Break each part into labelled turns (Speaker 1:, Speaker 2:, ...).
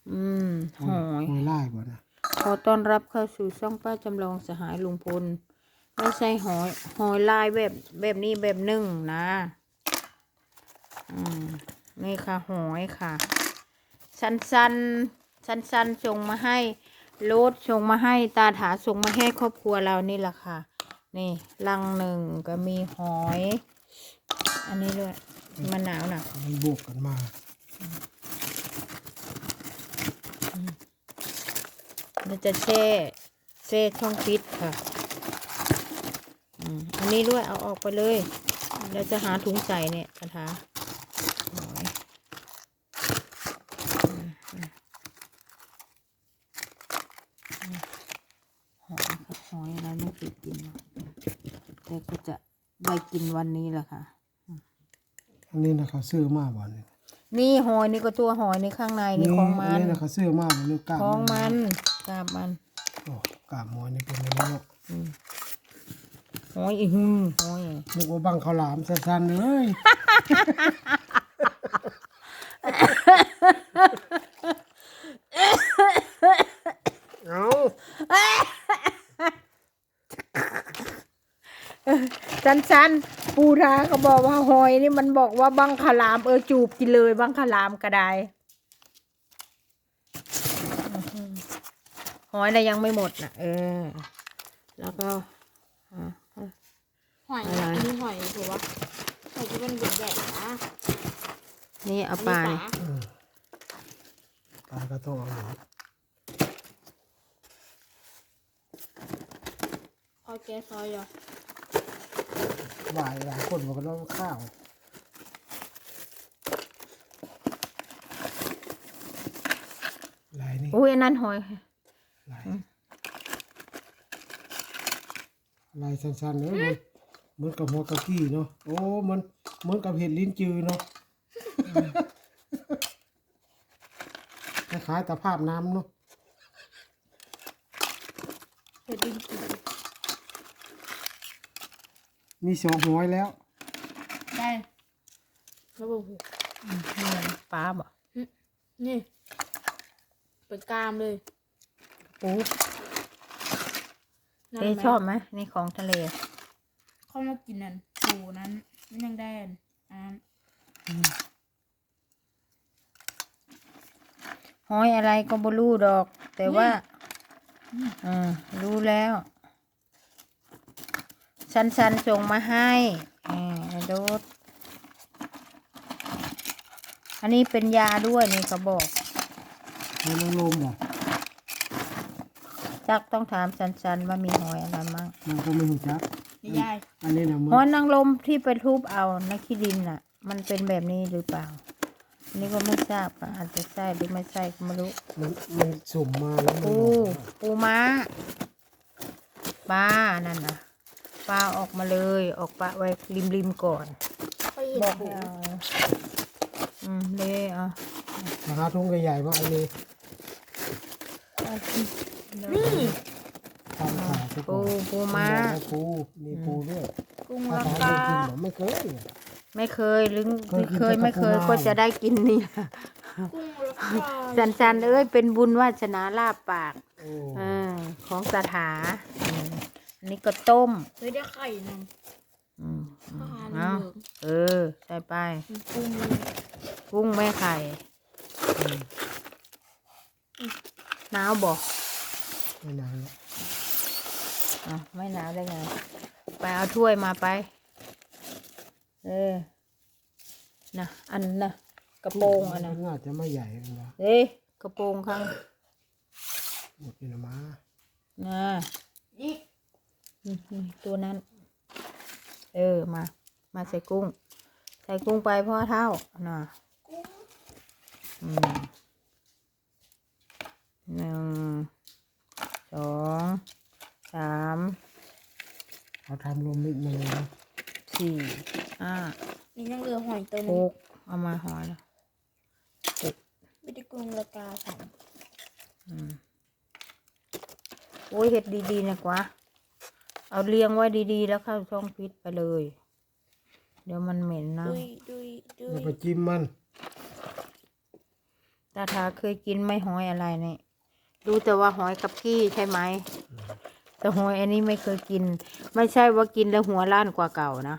Speaker 1: อืมหอย
Speaker 2: หอยลายบ่นะ
Speaker 1: ขอต้อนรับเข้าสู่ช่องป้าจำลองสหายลุงพลไม่ใช่หอยลายแบบนี้แบบนึ่งนะนี่ค่ะหอยค่ะสั้นส่งมาให้โรดส่งมาให้ตาถาส่งมาให้ครอบครัวเรานี่แหละค่ะนี่ลังหนึ่งก็มีหอย อันนี้ด้วยมะนาวน่ะ
Speaker 2: มันบวกกันมา
Speaker 1: เราจะแช่ช่องฟิตค่ะอันนี้ด้วยเอาออกไปเลยเราจะหาถุงใส่เนี่ยกระถาหอยหอยอะไรไม่เคยกินแต่ก็จะได้กินวันนี้แหละค่ะ
Speaker 2: อันนี้นะเขาซื้อมาบ่เนี่ย
Speaker 1: นี่หอยนี่ก็ตัวหอยในข้างในนี่ของมั
Speaker 2: อั
Speaker 1: น
Speaker 2: นี้นะเขาซื้อมาบ่นี่กล้าม
Speaker 1: ของมันกาบมัน
Speaker 2: โอ้กล้ามหอยนี่เป็นอะไรเนาะ
Speaker 1: หอยอีหือหอย
Speaker 2: นึกว่าบังข้าวหลามสั้นๆเลย เอา
Speaker 1: สั้นปูราเขาบอกว่าหอยนี่มันบอกว่าบังขลามจูบกินเลยบังขลามก็ได้หอยน่ะยังไม่หมดนะแล้วก็
Speaker 3: หอยอันนี้หอยถือว่าหอยที่เป็นใหญ่ๆนะ
Speaker 1: นี่เอาปลา
Speaker 3: อัน
Speaker 1: นี่
Speaker 3: นี้
Speaker 2: ปลาก็ต้องเอาหนู
Speaker 3: เอาแกซอยเหรอ
Speaker 2: หลายคนบอกกันว่าข้าวลายนี่
Speaker 1: อุ้ยอันนั้นหอย
Speaker 2: ลายสั้นๆเลยเหมือนกับหัวกะกี้เนาะโอ้มันเหมือนกับเห็ดลิ้นจือเนาะคล้ายๆตะภาพน้ำเนาะ
Speaker 3: เห็ดดินจืด
Speaker 2: มีสองหอยแล้ว
Speaker 3: ได้แล้วบอก
Speaker 1: ปลาบ่
Speaker 3: นี่เป็นกล้ามเลย
Speaker 1: ปู
Speaker 3: นั่น
Speaker 1: เต้ชอบไหมนี่ของทะเล
Speaker 3: เข้ามากินนั่นปูนั้นมันยังได้อัน
Speaker 1: หอยอะไรก็บ่รู้ดอก แต่ว่ารู้แล้วสั้นส่งมาให้โดดอันนี้เป็นยาด้วยนี่เขาบอก
Speaker 2: หอยนางรมบ่
Speaker 1: จักต้องถามสั้นว่ามีหอยอะไรมั่ง
Speaker 2: มันก็ไม่รู้จัก
Speaker 3: นี่ยาย
Speaker 2: อันนี้นะมัน
Speaker 1: หอยนางรมที่ไปทุบเอาในขี้ดินน่ะ มันเป็นแบบนี้หรือเปล่าอันนี้ก็ไม่ทราบค่ะอาจจะใช่หรือไม่ใช่ก็ไม่รู้
Speaker 2: มันสุ่มมาแล้วมัน
Speaker 1: ปูม้าปลานั่นนะปลาออกมาเลยออกปลาไว้ริมก่อน
Speaker 3: ไปเห็ด
Speaker 1: บอก
Speaker 3: ปู
Speaker 1: ให้เอาเลยเอา
Speaker 2: ราคาทุ่งใหญ่ๆว่าอันนี้
Speaker 3: นี่
Speaker 2: ทำขายไปก่อน
Speaker 1: ปูม้า
Speaker 2: ปูมีปูด้วย
Speaker 3: กุ้ง
Speaker 2: ถ้า
Speaker 3: รา
Speaker 2: ทาน
Speaker 3: คา
Speaker 2: ได้กินเหรอไม่เคย
Speaker 1: ไม่เคยหรือ
Speaker 2: เคยกิน
Speaker 1: ไม่เคย
Speaker 2: แต่ปูม้า
Speaker 1: ก็จะได้กินนี่
Speaker 3: กุ้งราคา
Speaker 1: สันเอ้ยเป็นบุญวาสนาลาบปาก
Speaker 2: โอ้
Speaker 1: ของสถาอันนี้ก็ต้ม
Speaker 3: เฮ้ยได้ไข่นั่น อาหาร
Speaker 1: เอา
Speaker 3: เหลือง
Speaker 1: ใส่ไป
Speaker 3: กุ้ง
Speaker 1: กุ้งแม่ไข่หนาวบอก
Speaker 2: ไม่นานแล้ว
Speaker 1: ไม่หนาวได้ไงไปเอาถ้วยมาไปนะอันนะกระโปรงอันนะ
Speaker 2: น่าจะไม่ใหญ่กันนะ
Speaker 1: กระโปรงข้าง
Speaker 2: หมดนี่นะมา
Speaker 1: นะ
Speaker 3: นี่
Speaker 1: นี่ตัวนั้น มาใส่กุ้ง ใส่กุ้งไปพ่อเท่าน่ะหนึ่งสองสาม
Speaker 2: เขาทำรวมมิตรมาเลยนะ
Speaker 1: สี่ห้า
Speaker 3: นี่ยังเหลือหอยตัวห
Speaker 1: ห
Speaker 3: นึง
Speaker 1: กเอามาหอยแล้ว
Speaker 3: ไม่ได้กุ้งราคาสาม
Speaker 1: โอ้ยเห็ดดีๆนะกว่าเอาเรียงไว้ดีๆแล้วเข้าช่องฟิตไปเลย เดี๋ยวมันเหม็นนะ
Speaker 3: ดุย
Speaker 2: แล้วไปจิ้มมัน
Speaker 1: ตาถาเคยกินไหม่หอยอะไรเนี่ยดูแต่ว่าหอยกับกี้ใช่ไหมแต่หอยอันนี้ไม่เคยกิน ไม่ใช่ว่ากินแล้วหัวล้านกว่าเก่านะ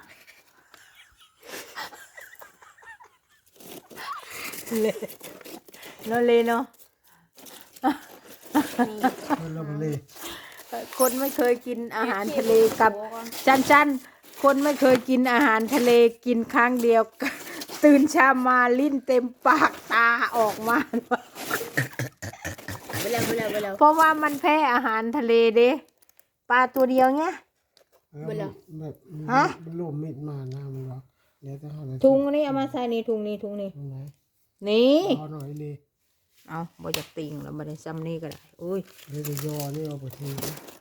Speaker 1: เลยเนาะ
Speaker 2: มันละมันเลย
Speaker 1: คนไม่เคยกินอาหารทะเลกับจันคนไม่เคยกินอาหารทะเลกินครั้งเดียว ตื่นเช้ามาลิ้นเต็มปากตาออกมา
Speaker 3: ไปแล้ว
Speaker 1: เพราะว่ามันแพ้อาหารทะเลเด้ปลาตัวเดียวเนี้ย
Speaker 2: แบบ
Speaker 1: ฮะ
Speaker 2: มันรวมมิดมานะมันว่าเดี๋ยวจะหาอะไร
Speaker 1: ถุงนี้เอามาใส่นี่ถุงนี้
Speaker 2: ตรงไหน
Speaker 1: นี่
Speaker 2: รอหน่อยเลย
Speaker 1: เอาบ่จะติงแล้วบ่ได้ซ้ำนี่ก็ได้อุ้ย
Speaker 2: เดี๋ยวจะยอนี่เอาไปที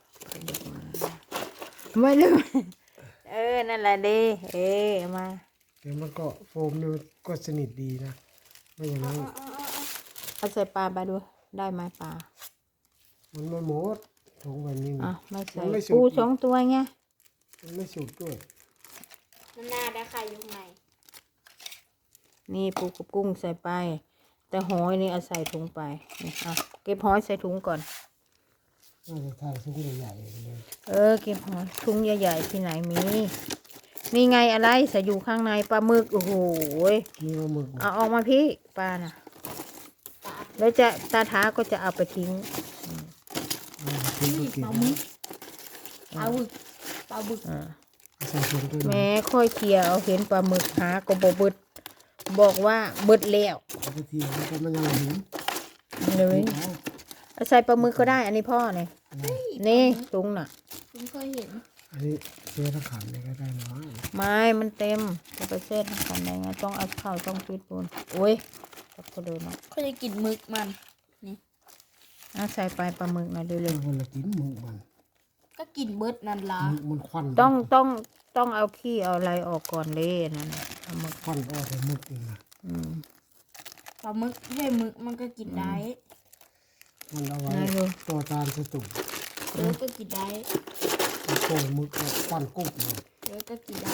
Speaker 1: ไม่ลืมนั่นแหละเด้เอามา
Speaker 2: เดี๋ยวมันก็โฟมนี่มันก็สนิทดีนะไม่อย่างนั้น
Speaker 1: เอาใส่ปลาไปด้วยได้ไหมปลา
Speaker 2: มันไม่หมดถุงแบบนี้
Speaker 1: อ่ะไม่ใส่
Speaker 2: มันไม่สุก
Speaker 1: ปู2 ตัวไง
Speaker 2: มันไม่สุดด้วย
Speaker 3: มันน่าได้ใครอยู่ข้างใน
Speaker 1: นี่ปูกับกุ้งใส่ไป แต่หอยนี่เอาใส่ถุงไปนี่อ่ะเก็บหอยใส่ถุงก่อน
Speaker 2: น่าจะทานถุงใหญ่ๆเลย
Speaker 1: เก็บหอยถุงใหญ่ๆที่ไหนมีนี่ไงอะไรใส่อยู่ข้างในปลาหมึกโอ้โห
Speaker 2: มีปลาหมึก
Speaker 1: เอาออกมาพี่ปลาน่ะ แล้วจะตาท้าก็จะเอาไปทิ้ง
Speaker 2: ทิ้งก็เก็บ
Speaker 3: ปลาบึกปลาบึก
Speaker 1: อ่า
Speaker 2: ใส่ถุงด้วย
Speaker 1: แม้ค่อยเคลียร์เอาเห็นปลาหมึกหาก็บ่เบิดบอกว่าเบิดแล้ว
Speaker 2: เอาไปทีแล้วก็มันยังหิว
Speaker 1: เลยเอาใส่ปลาหมึกก็ได้ อันนี้พ่อเนี่ยนี่ถุงน่ะ
Speaker 3: ผมเคยเห็น
Speaker 2: อันนี้เชื้อทั้งขันเลยก็ได้นะ
Speaker 1: ไม้มันเต็มจะไปเส้นขันไหนไงต้องเอาเข้าต้องปิดปูนโอ้ยจับก็เดินเนาะ
Speaker 3: เขาจะกินหมึกมัน
Speaker 1: เอาใส่ไปปลาหมึกนะเร็
Speaker 2: เรื่อ
Speaker 1: ว
Speaker 2: งคนละกินหมึกมัน
Speaker 3: ก็กินเบิดนั่นละ
Speaker 2: หมึกมันควัน
Speaker 1: ๆต้องเอาขี้เอาอะไรออกก่อนเลยนั่นน่ะปลาหมึก
Speaker 2: ควันออกจากหมึกนี่นะ
Speaker 1: อืม
Speaker 3: ปลาหมึกให้หมึกมันก็กินได้
Speaker 2: มันเอาไว้ตัวจานสตุ่ม
Speaker 3: เดี๋ยวก็กินได้
Speaker 2: โป่งหมึกเอาควันกุ๊บเลย
Speaker 3: เดี๋ยวก็กินได้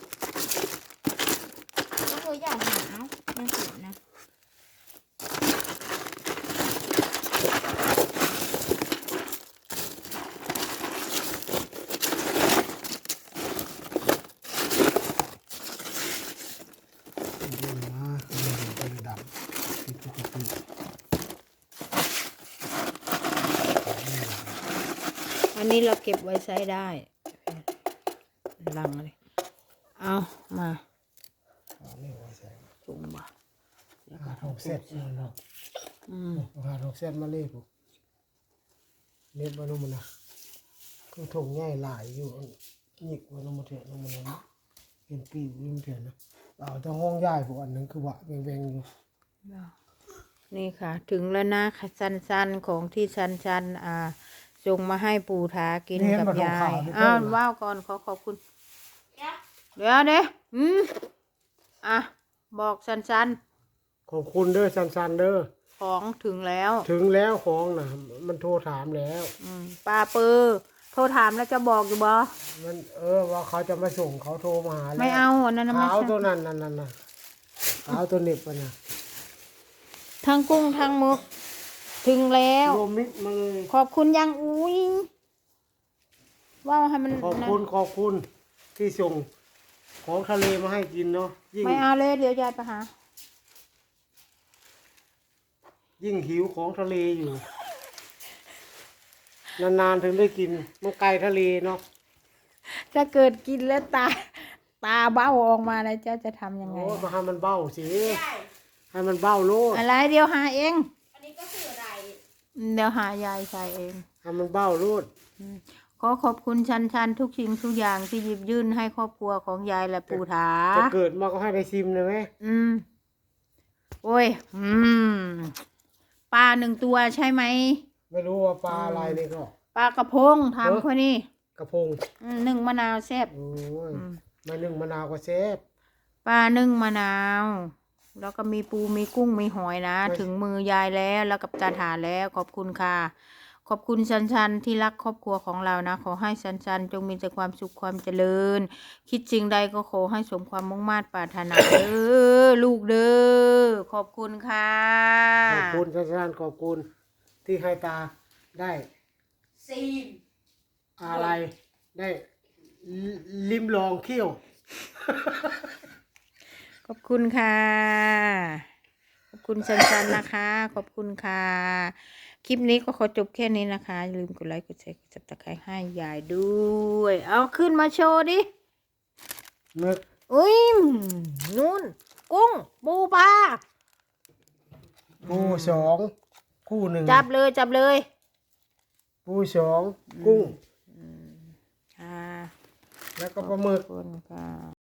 Speaker 3: ก็เคยอยากหาไม่เห็นนะ
Speaker 2: ดูนะมันดำผิดปกติ
Speaker 1: อันนี้เราเก็บไว้ใช้ได้ลังเลยเอามา
Speaker 2: เอานี่ไว้ใส่
Speaker 1: จุงบ่
Speaker 2: หาทองเส้นเนาะ
Speaker 1: อืม
Speaker 2: หาทองเส้นมาเล่ปุ๊บเล็บมานุ่มนะคือถงง่ายหลายอยู่หยิกมานุ่มเถอะนุ่มนะเป็นปีวิ่งเถอะนะเอาแต่ห้องย่ายพวกอันนั้นคือวะแวงๆอยู่
Speaker 1: นี่ค่ะ ถึงแล้วนะสันๆของที่สันส่งมาให้ปู่ทากินกับยายอ้าวว้าวก่อนขอบคุณ เดี๋ยวบอกสัน
Speaker 2: ขอบคุณเด้อซันๆเด้อ
Speaker 1: ๆของถึงแล้ว
Speaker 2: ถึงแล้วของนะมันโทรถามแล้ว
Speaker 1: ป้าเปอร์โทรถามแล้วจะบอกอยู่บ่
Speaker 2: มันว่าเขาจะมาส่งเขาโทรมาหาแล้ว
Speaker 1: ไม่เอาอันนั้นนะไม่
Speaker 2: ขาว
Speaker 1: ใช่
Speaker 2: ตัวนั้นนั่นน่ะขาวตัวเหน็บมันน่ะ
Speaker 1: ทั้งกุ้งทั้งหมึกถึงแล้ว
Speaker 2: รวมมิดมาเลย
Speaker 1: ขอบคุณยังอุ้ยว่าให้มัน
Speaker 2: ขอบคุณที่ส่งของทะเลมาให้กินเนาะยิ่ง
Speaker 1: ไม่เอาเลยเดี๋ยวยายไปหา
Speaker 2: ยิ่งหิวของทะเลอยู่นานๆถึงได้กินมันไกลทะเลเนาะ
Speaker 1: ถ้าเกิดกินแล้วตาเบ้าออกมาแล้วเจ้าจะทำยังไง
Speaker 2: โอ้มาให้มันเบ้าสิให้มันเบ้าโลด
Speaker 1: อะไรเดี๋ยวหาเอง
Speaker 3: อันนี้ก็คืออะไร
Speaker 1: เดี๋ยวหายายใส่เอง
Speaker 2: ให้มันเบ้าโลด
Speaker 1: ขอขอบคุณชันทุกสิ่งทุกอย่างที่หยิบยื่นให้ครอบครัวของยายและปู่ถา
Speaker 2: จะเกิดมาก็ให้ได้ซิมเลยไหม
Speaker 1: โอ้ยปลา1 ตัวใช่ไหม
Speaker 2: ไม่รู้ว่าปลาอะไรนี่ก็
Speaker 1: ปลากระพงถามคนนี้
Speaker 2: กระพง
Speaker 1: นึ่งมะนาวแซ่บ
Speaker 2: โอ้ยมานึ่งมะนาวก็แซ่บ
Speaker 1: ปลานึ่งมะนาว แล้วก็มีปูมีกุ้งมีหอยนะ ถึงมือยายแล้วกับตาถาแล้วขอบคุณค่ะขอบคุณชันชันที่รักครอบครัวของเรานะขอให้ชันชันจงมีแต่ความสุขความเจริญ คิดสิ่งใดก็ขอให้สมความมุ่งมั่นปรารถนาเด้อลูกเด้อขอบคุณค่ะ
Speaker 2: ขอบคุณชันๆขอบคุณที่ให้ตาได้
Speaker 3: ซีน
Speaker 2: อะไรได้ลิ้มลองเคี่ยว
Speaker 1: ขอบคุณค่ะ ขอบคุณชันชันนะคะ ขอบคุณค่ะ คลิปนี้ก็ขอจบแค่นี้นะคะอย่าลืมกดไลค์กดแชร์กดซับสไครต์ให้ยายด้วย เอาขึ้นมาโชว์ดิ
Speaker 2: นึก
Speaker 1: อุ้ยนู่น กุ้งปูปลา
Speaker 2: ปูสองคู่หนึ่ง
Speaker 1: จับเลยจับเลย
Speaker 2: ปูสองกุ้ง
Speaker 1: ค่ะ
Speaker 2: แล้วก็ปลาหมึ
Speaker 1: ข
Speaker 2: ก
Speaker 1: อบคุณค่ะ